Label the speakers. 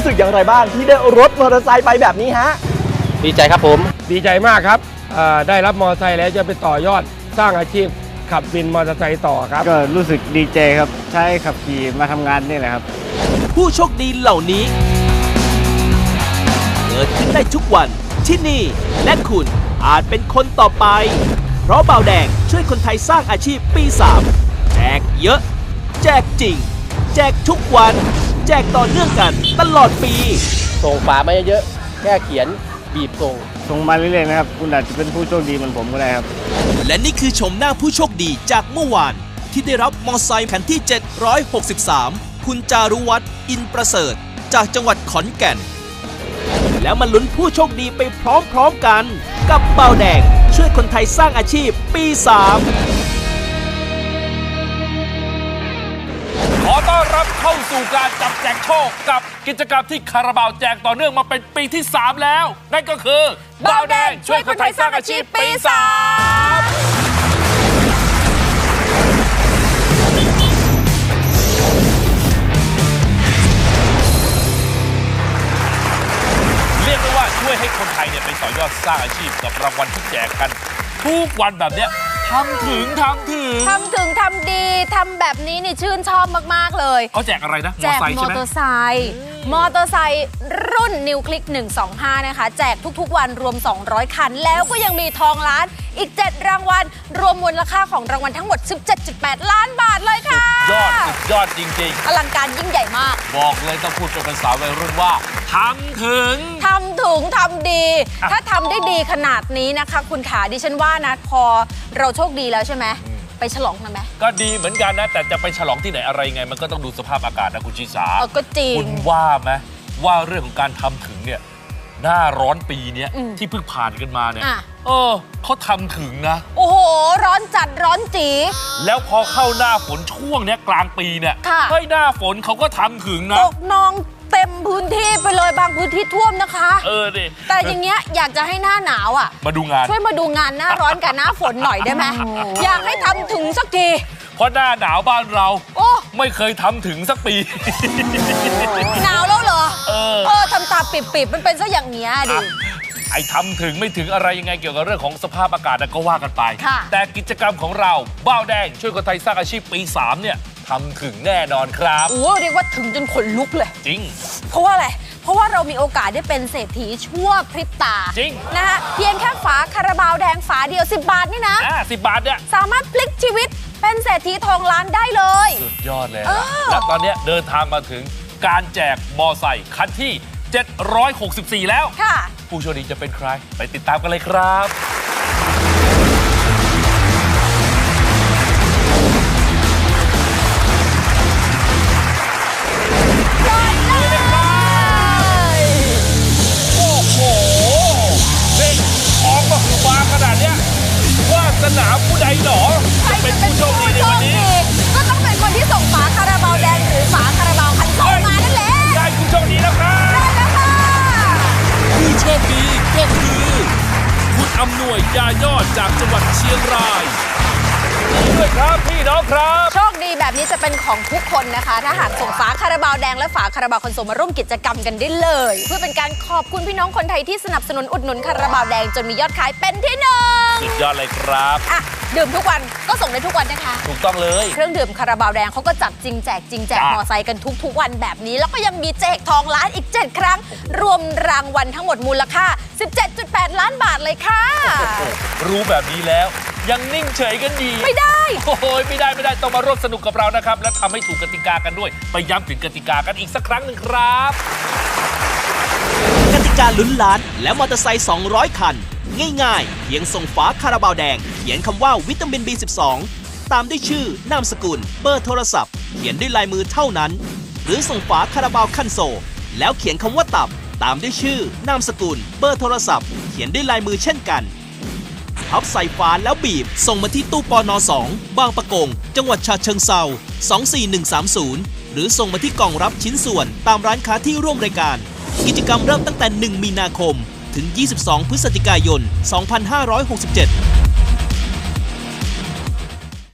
Speaker 1: สึกอย่างไรบ้างที่ได้รถมอเตอร์ไซค์ไปแบบนี้ฮะ
Speaker 2: ดีใจครับผม
Speaker 3: ดีใจมากครับได้รับมอเตอร์ไซค์แล้วจะไปต่อยอดสร้างอาชีพขับวินมอเตอร์ไซค์ต่อครับ
Speaker 4: ก็รู้สึกดีใจครับใช้ขับขี่มาทำงานนี่แหละครับ
Speaker 5: ผู้โชคดีเหล่านี้เกิดขึ้นได้ทุกวันที่นี่และคุณอาจเป็นคนต่อไปเพราะเบาแดงช่วยคนไทยสร้างอาชีพปี 3แจกเยอะแจกจริงแจกทุกวันแจกต่อเนื่องกันตลอดปี
Speaker 2: ส่งฝามาเยอะๆแค่เขียนบีบส่ง
Speaker 4: มาเรื่อยๆนะครับคุณอาจจะเป็นผู้โชคดีเหมือนผมก็ได้ครับ
Speaker 5: และนี่คือชมหน้าผู้โชคดีจากเมื่อวานที่ได้รับมอไซค์คันที่763คุณจารุวัฒน์อินประเสริฐจากจังหวัดขอนแก่นแล้วมาลุ้นผู้โชคดีไปพร้อมๆกันกับเบาแดงช่วยคนไทยสร้างอาชีพปี 3
Speaker 6: ขอต้อนรับเข้าสู่การจับแจกโชคกับกิจกรรมที่คาราบาวแจกต่อเนื่องมาเป็นปีที่ 3 แล้วนั่นก็คือเบาแดงช่วยคนไทยสร้างอาชีพปี 3เรียกได้ว่าช่วยให้คนไทยไปต่อยอดสร้างอาชีพกับรางวัลที่แจกกันทุกวันแบบเนี้ยทำถึงทำ
Speaker 7: ดีทำแบบนี้นี่ชื่นชอบมากๆเลย
Speaker 6: เขาแจกอะไรนะ
Speaker 7: แจกมอเตอร์ไซค์รุ่นนิวคลิก125นะคะแจกทุกๆวันรวม200คันแล้วก็ยังมีทองล้านอีก7รางวัลรวมมูลค่าของรางวัลทั้งหมด 17.8 ล้านบาทเลยค่ะ
Speaker 6: สุดยอดจริง
Speaker 7: ๆอลังการยิ่งใหญ่มาก
Speaker 6: บอกเลยต้องพูดเป็นภาษาวัยรุ่นว่าทำถึง
Speaker 7: ทำดีถ้าทำได้ดีขนาดนี้นะคะคุณขาดิฉันว่านะพอเราโชคดีแล้วใช่ไหมไปฉลองกันไหม
Speaker 6: ก็ดีเหมือนกันนะแต่จะไปฉลองที่ไหนอะไรไงมันก็ต้องดูสภาพอากาศนะคุณชิสา
Speaker 7: ก็จริง
Speaker 6: คุณว่าไหมว่าเรื่องของการทำถึงเนี่ยหน้าร้อนปีนี้ที่เพิ่งผ่านกันมาเนี่ยเขาทำถึงนะ
Speaker 7: โอ้โหร้อนจัดร้อนจี
Speaker 6: แล้วพอเข้าหน้าฝนช่วงเนี้ยกลางปีเนี่ยให้หน้าฝนเขาก็ทำถึงนะ
Speaker 7: ตกนองเต็มพื้นที่ไปเลยบางพื้นที่ท่วมนะคะ
Speaker 6: ดิ
Speaker 7: แต่อย่างเงี้ยอยากจะให้หน้าหนาว
Speaker 6: มาดูงาน
Speaker 7: ช่วยมาดูงานหน้าร้อนกับหน้าฝนหน่อยได้ไหมอยากให้ทำถึงสักที
Speaker 6: เพราะหน้าหนาวบ้านเราไม่เคยทำถึงสักปี
Speaker 7: หนาวแล้วเหรอทำตาปิบๆมันเป็นซะอย่างเงี้ยดิ
Speaker 6: ไอ้ทำถึงไม่ถึงอะไรยังไงเกี่ยวกับเรื่องของสภาพอากาศก็ว่ากันไปแต่กิจกรรมของเราบ้าวแดงช่วยคนไทยสร้างอาชีพปี 3เนี่ยทำถึงแน่นอนครับ
Speaker 7: เรียกว่าถึงจนขนลุกเลย
Speaker 6: จริง
Speaker 7: เพราะว่าอะไรเพราะว่าเรามีโอกาสได้เป็นเศรษฐีชั่วพริบตา
Speaker 6: จริง
Speaker 7: นะคะเพียงแค่ฝาคาราบาวแดงฝาเดียว10 บาทนี่นะ
Speaker 6: 10 บาทเนี่ย
Speaker 7: สามารถพลิกชีวิตเป็นเศรษฐีทองล้านได้เลย
Speaker 6: สุดยอดเลยและตอนนี้เดินทางมาถึงการแจกมอไซค์คันที่764แล้วผู้โชคดีจะเป็นใครไปติดตามกันเลยครับสนามผู้ใดหนอจะเป็นผู้โชคดีในวันนี้
Speaker 7: ก็ต้องเป็นคนที่ส่งฝาคาราบาวแดงหรือฝาคาราบาวคันโซมานั่นแหละ
Speaker 6: ได้ผู้โชคดีแล้วครับ
Speaker 7: ได้แล้วค่ะ
Speaker 6: ผู้โชคดีก็คือคุณอำนวยยายอดจากจังหวัดเชียงรายด้วยครับพี่น้องครับ
Speaker 7: โชคดีแบบนี้จะเป็นของทุกคนนะคะถ้าหากส่งฝาคาราบาวแดงและฝาคาราบาวคันโซมาร่วมกิจกรรมกันได้เลยเพื่อเป็นการขอบคุณพี่น้องคนไทยที่สนับสนุนอุดหนุนคาราบาวแดงจนมียอดขายเป็นที่1
Speaker 6: สุดยอดเลยครับ
Speaker 7: ดื่มทุกวันก็ส่งได้ทุกวันนะคะ
Speaker 6: ถูกต้องเลย
Speaker 7: เครื่องดื่มคาราบาวแดงเขาก็จัดจริงแจกจริงแจกมอไซค์กันทุกวันแบบนี้แล้วก็ยังมีแจกทองล้านอีก7ครั้งรวมรางวัลทั้งหมดมูลค่า 17.8 ล้านบาทเลยค่ะ
Speaker 6: รู้แบบนี้แล้วยังนิ่งเฉยกันดี
Speaker 7: ไม่ได้
Speaker 6: ไม่ได้ต้องมาร่วมสนุกกับเรานะครับและทำให้ถูกกติกากันด้วยไปย้ำถึงกติกากันอีกสักครั้งหนึ่งครับ
Speaker 5: กติกาลุ้นล้านและมอเตอร์ไซค์200คันง่ายๆเพียงส่งฝาคาราบาวแดงเขียนคำว่าวิตามิน B12 ตามด้วยชื่อนามสกุลเบอร์โทรศัพท์เขียนด้วยลายมือเท่านั้นหรือส่งฝาคาราบาวคันโซแล้วเขียนคำว่าตับตามด้วยชื่อนามสกุลเบอร์โทรศัพท์เขียนด้วยลายมือเช่นกันพับใส่ฝาแล้วบีบส่งมาที่ตู้ปน2บางปะกงจังหวัดฉะเชิงเทรา24130หรือส่งมาที่กล่องรับชิ้นส่วนตามร้านค้าที่ร่วมรายการกิจกรรมเริ่มตั้งแต่1 มีนาคมถึง22 พฤศจิกายน 2567